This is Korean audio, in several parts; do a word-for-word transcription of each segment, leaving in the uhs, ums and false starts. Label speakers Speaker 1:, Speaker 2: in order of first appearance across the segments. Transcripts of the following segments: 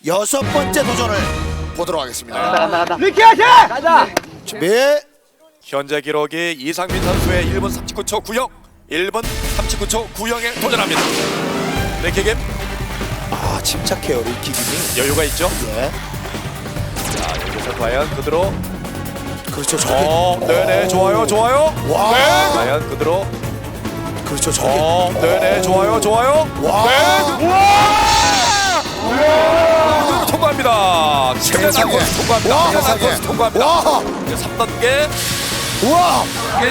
Speaker 1: 여섯 번째 도전을 보도록 하겠습니다.
Speaker 2: 간다 간다 간다.
Speaker 3: 리키야지!
Speaker 2: 가자.
Speaker 1: 준비.
Speaker 4: 현재 기록이 이상민 선수의 일 분 삼십구 초 구영, 일 분 삼십구 초 구영에 도전합니다. 레키김
Speaker 1: 아 침착해요 리키김이.
Speaker 4: 여유가 있죠?
Speaker 1: 예.
Speaker 4: 자, 여기서 과연 그대로
Speaker 1: 그렇죠. 저게.
Speaker 4: 어, 네네 좋아요 좋아요.
Speaker 1: 와.
Speaker 4: 네, 과연 그대로
Speaker 1: 그렇죠. 저게.
Speaker 4: 어, 네네 좋아요 좋아요.
Speaker 1: 와.
Speaker 4: 네, 우와! 우와! 통과합니다. 최대
Speaker 1: 세상에.
Speaker 4: 난코스 통과합니다.
Speaker 1: 와,
Speaker 4: 최대
Speaker 1: 세상에.
Speaker 4: 난코스 통과합니다.
Speaker 1: 와.
Speaker 4: 이제 삼 단계,
Speaker 1: 우와.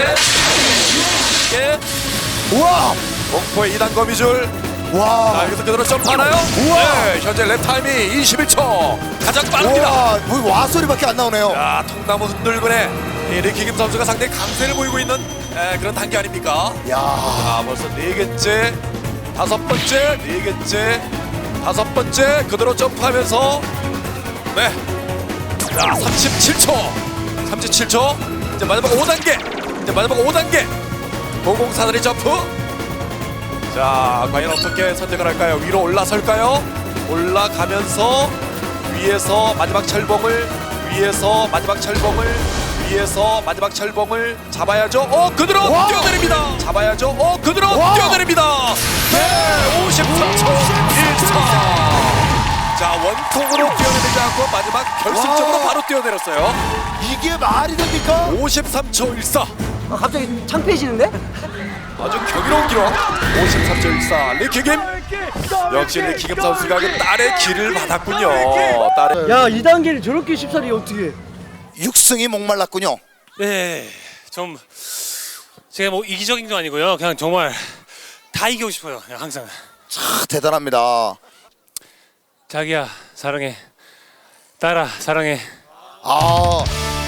Speaker 4: 개,
Speaker 1: 우와.
Speaker 4: 목포의 이 단 거미줄. 자,
Speaker 1: 와.
Speaker 4: 여기서 그대로 점프하나요?
Speaker 1: 우와.
Speaker 4: 네, 현재 랩 타임이 이십일 초. 가장 빠릅니다.
Speaker 1: 와. 뭐 와 소리밖에 안 나오네요.
Speaker 4: 자, 통나무 흔들근에 이 리키김 선수가 상당히 강세를 보이고 있는 에, 그런 단계 아닙니까?
Speaker 1: 야.
Speaker 4: 자, 벌써 네 개째, 다섯 번째, 네 개째, 다섯 번째 그대로 점프하면서 네, 자, 삼십칠 초, 삼십칠 초. 이제 마지막 오 단계, 이제 마지막 오 단계. 고공사다리 점프. 자, 과연 어떻게 선택을 할까요? 위로 올라설까요? 올라가면서 위에서 마지막 철봉을 위에서 마지막 철봉을 위에서 마지막 철봉을 잡아야죠. 어, 그대로
Speaker 1: 와!
Speaker 4: 뛰어내립니다. 잡아야죠. 어, 그대로
Speaker 1: 와!
Speaker 4: 뛰어내립니다. 네, 오십삼 초 일 차. 자, 원통으로 뛰어내리지 않고 마지막 결승적으로
Speaker 1: 와!
Speaker 4: 바로 뛰어내렸어요.
Speaker 1: 이게 말이 됩니까?
Speaker 4: 오십삼 초 일사.
Speaker 2: 아, 갑자기 창피해지는데?
Speaker 4: 아주 경이로운 기록. 오십삼 초 일사. 리키김. 역시 리키김 선수가 그 딸의 길을 받았군요. 딸의
Speaker 3: 야, 이 단계를 저렇게 쉽사리 어떻게 해?
Speaker 1: 육승이 목말랐군요.
Speaker 5: 네, 좀 제가 뭐 이기적인 건 아니고요. 그냥 정말 다 이기고 싶어요. 그냥 항상.
Speaker 1: 아, 대단합니다.
Speaker 5: 자기야 사랑해. 딸아 사랑해.
Speaker 1: 아.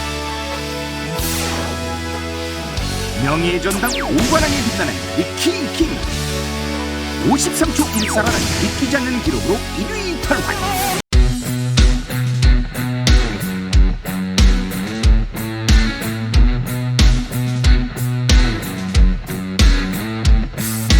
Speaker 6: 명예의 전당 오관왕에 빛나는 리키 킹 오십삼 초 일사라는 믿기지 않는 기록으로 일 위 탈환.